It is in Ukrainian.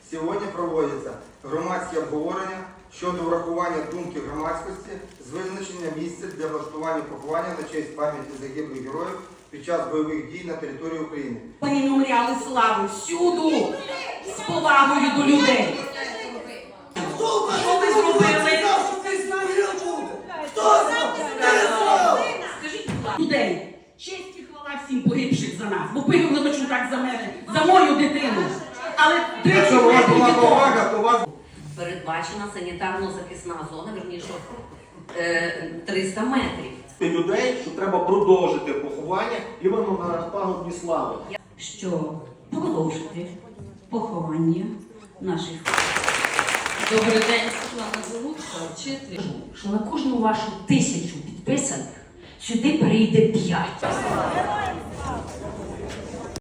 Сьогодні проводяться громадські обговорення щодо врахування думки громадськості з визначення місця для влаштування поховання на честь пам'яті загиблих героїв під час бойових дій на території України. Меморіали слави всюду з повагою до людей. Що ви зробили? Скажіть, людей, честь і хвала всім погибших за нас, бо пигли точно так за мене, за мою дитину. Але Якщо у вас була повага, то у вас... Передбачена санітарно-захисна зона, верніше 300 метрів. Людей, що треба продовжити поховання іменно на пагорбі слави. Що продовжити поховання наших. Добрий день, Світлана Залуцька, вчитель. Що на кожну вашу 1000 підписаних сюди перейде 5.